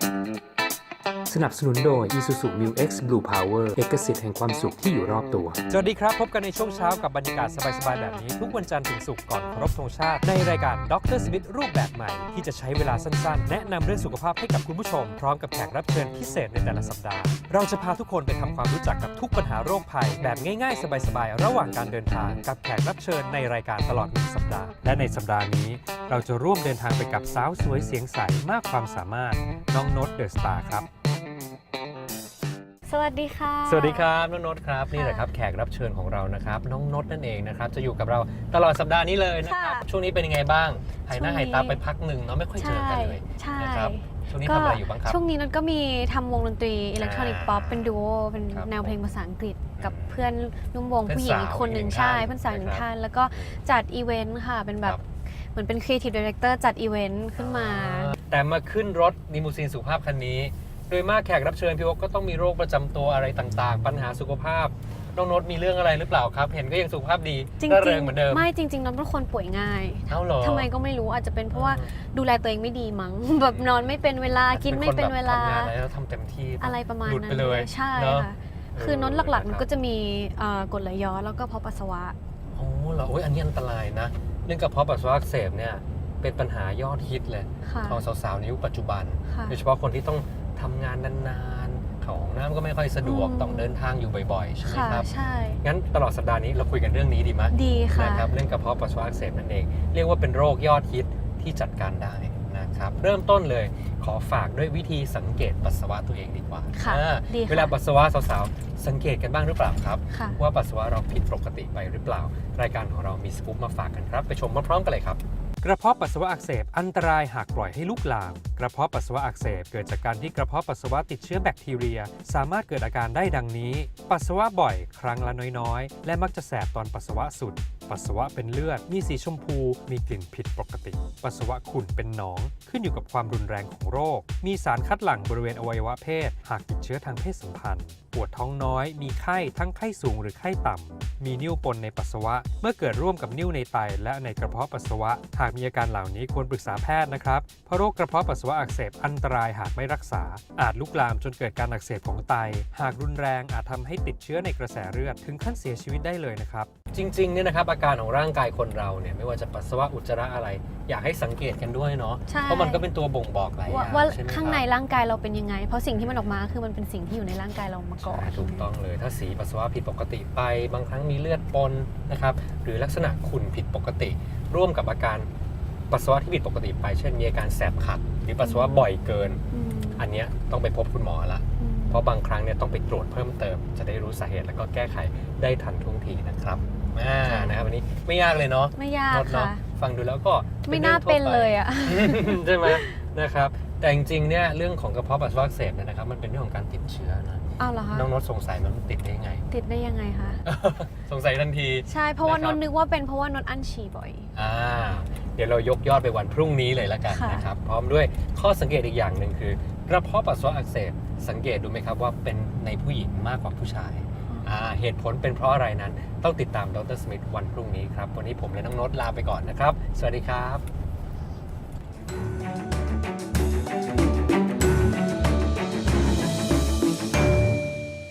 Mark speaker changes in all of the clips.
Speaker 1: สนับสนุนโดย Isuzu Mu X Blue Power เอกสิทธิ์แห่งความสุขที่อยู่รอบตัวสวัสดีครับพบกันในช่วงเช้ากับบรรยากาศสบายๆแบบนี้ทุกวันจันทร์ถึงศุกร์ก่อนเคารพธงชาติในรายการดร.สมิธรูปแบบใหม่ที่จะใช้เวลาสั้นๆแนะนำเรื่องสุขภาพให้กับคุณผู้ชมพร้อมกับแขกรับเชิญพิเศษในแต่ละสัปดาห์เราจะพาทุกคนไปทำความรู้จักกับทุกปัญหาโรคภัยแบบง่ายๆสบายๆระหว่างการเดินทางกับแขกรับเชิญในรายการตลอด1สัปดาห์และในสัปดาห์นี้เราจะร่วมเดินทางไปกับสาวสวยเสียงใสมากความสามารถน้องโน้ตเดอะสตาร์ครับ
Speaker 2: สวัสดีค่ะ
Speaker 1: สวัสดีครับน้องโน้ตครับนี่แหละครับแขกรับเชิญของเรานะครับน้องโน้ตนั่นเองนะครับจะอยู่กับเราตลอดสัปดาห์นี้เลยนะครับช่วงนี้เป็นยังไงบ้างหายหน้าหายตาไปพักหนึ่งเนาะไม่ค่อยเจอกันเลยนะครับช่วงนี้ทำอะไรอยู่บ้างครับ
Speaker 2: ช่วงนี้นัทก็มีทำวงดนตรีอิเล็กทรอนิกส์ป๊อปเป็นดูโอเป็นแนวเพลงภาษาอังกฤษกับเพื่อนร่วมวงผู้หญิงอีกคนหนึ่งใช่เพื่อนสาวหนึ่งท่านแล้วก็จัดอีเวนต์ค่ะเป็นแบบเหมือนเป็นครีเอทีฟดีเรคเตอร์จัดอีเวนต์ขึ้นมา
Speaker 1: แต่มาขึ้นรถลิมูซีนสุขภาพคันนี้โดยมากแขกรับเชิญพี่โอ๊คก็ต้องมีโรคประจำตัวอะไรต่างๆปัญหาสุขภาพน้องโน้ตมีเรื่องอะไรหรือเปล่าครับเห็นก็ยังสุขภาพดีร่าเริงเหมือนเดิม
Speaker 2: ไม่จริงๆน้องเป็นคนป่วยง่าย
Speaker 1: เอ้าเหรอ
Speaker 2: ทำไมก็ไม่รู้อาจจะเป็นเพราะว่าดูแลตัวเองไม่ดีมั้งแบบนอนไม่เป็นเวลากินไม่เป็นเวลา
Speaker 1: ทำงานอะไรแล้วทำเต็มที่
Speaker 2: อะไรประมาณนั้นใช่ค่ะคือน้องหลักๆมันก็จะมีกรดไหลย้อนแล้วก็เพาะปัสสาวะ
Speaker 1: โอ้เหรออันนี้อันตรายนะเรื่องกระเพาะปัสสาวะอักเสบเนี่ยเป็นปัญหายอดฮิตเลยของสาวๆในยุคปัจจุบันโดยเฉพาะคนที่ต้องทำงานนานๆเข้าห้องน้ำก็ไม่ค่อยสะดวกต้องเดินทางอยู่บ่อยๆใช่ไหมครับ
Speaker 2: ใช่
Speaker 1: งั้นตลอดสัปดาห์นี้เราคุยกันเรื่องนี้ดีไหม
Speaker 2: ดีค่ะ
Speaker 1: นะครับเรื่องกระเพาะปัสสาวะอักเสบนั่นเองเรียกว่าเป็นโรคยอดฮิตที่จัดการได้นะครับเริ่มต้นเลยขอฝากด้วยวิธีสังเกตปัสสาวะตัวเองดีกว่าเวลาปัสสาวะสาวๆสังเกตกันบ้างหรือเปล่าครับว่าปัสสาวะเราผิดปกติไปหรือเปล่ารายการของเรามีสกู๊ปมาฝากกันครับไปชมพร้อมๆกันเลยครับกระเพาะปัสสาวะอักเสบอันตรายหากปล่อยให้ลุกลามกระเพาะปัสสาวะอักเสบเกิดจากการที่กระเพาะปัสสาวะติดเชื้อแบคทีเรียสามารถเกิดอาการได้ดังนี้ปัสสาวะบ่อยครั้งละน้อยๆและมักจะแสบตอนปัสสาวะสุดปัสสาวะเป็นเลือดมีสีชมพูมีกลิ่นผิดปกติปัสสาวะขุ่นเป็นหนองขึ้นอยู่กับความรุนแรงของโรคมีสารคัดหลั่งบริเวณอวัยวะเพศหากติดเชื้อทางเพศสัมพันธ์ปวดท้องน้อยมีไข้ทั้งไข้สูงหรือไข้ต่ำมีนิ่วปนในปัสสาวะเมื่อเกิดร่วมกับนิ่วในไตและในกระเพาะปัสสาวะหากมีอาการเหล่านี้ควรปรึกษาแพทย์นะครับเพราะโรคกระเพาะปัสสาวะอักเสบอันตรายหากไม่รักษาอาจลุกลามจนเกิดการอักเสบของไตหากรุนแรงอาจทำให้ติดเชื้อในกระแสเลือดถึงขั้นเสียชีวิตได้เลยนะครับจริงๆเนี่ยนะครับอาการของร่างกายคนเราเนี่ยไม่ว่าจะปัสสาวะอุจจาระอะไรอยากให้สังเกตกันด้วยเนาะเพราะมันก็เป็นตัวบ่งบอกหลายอย่าง
Speaker 2: ว่าข้างในร่างกายเราเป็นยังไงเพราะสิ่งที่มันออกมาคือมันเป็นสิ่งที่อยู่ในร่างกายเรามาก่อน
Speaker 1: ถูกต้องเลยถ้าสีปัสสาวะผิดปกติไปบางครั้งมีเลือดปนนะครับหรือลักษณะขุ่นผิดปกติร่วมกับอาการปัสสาวะที่ผิดปกติไปเช่นมีอาการแสบขัดหรือปัสสาวะบ่อยเกินอันนี้ต้องไปพบคุณหมอละเพราะบางครั้งเนี่ยต้องไปตรวจเพิ่มเติมจะได้รู้สาเหตุแล้วก็แก้ไขได้ทันท่วงทีนะครับนะครับวันนี้ไม่ยากเลยเนาะ
Speaker 2: ไม่ยากค่ะ
Speaker 1: ฟังดูแล้วก็
Speaker 2: ไม่น่าเป็นเลยอ่ะ
Speaker 1: ใช่ไหมนะครับแต่จริงๆเนี่ยเรื่องของกระเพาะปัสสาวะอักเสบเนี่ยนะครับมันเป็นเรื่องของการติดเชื้อนะ
Speaker 2: อ้าวเหรอคะ
Speaker 1: น้องโน้ตสงสัยมันติดได้ยังไง
Speaker 2: ติดได้ยังไงคะ
Speaker 1: สงสัยทันที
Speaker 2: ใช่เพราะว่าน้องนึกว่าเป็นเพราะว่าน้องอั้นฉี่บ่อย
Speaker 1: เดี๋ยวเรายกยอดไปวันพรุ่งนี้เลยละกันนะครับพร้อมด้วยข้อสังเกตอีกอย่างหนึ่งคือกระเพาะปัสสาวะอักเสบสังเกตดูไหมครับว่าเป็นในผู้หญิงมากกว่าผู้ชายเหตุผลเป็นเพราะอะไรนั้นต้องติดตามดร.สมิธวันพรุ่งนี้ครับวันนี้ผมและน้องโน้ตลาไปก่อนนะครับสวัสดีครับ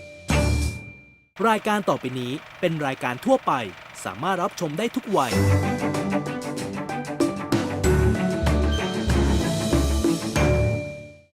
Speaker 3: รายการต่อไปนี้เป็นรายการทั่วไปสามารถรับชมได้ทุกวัย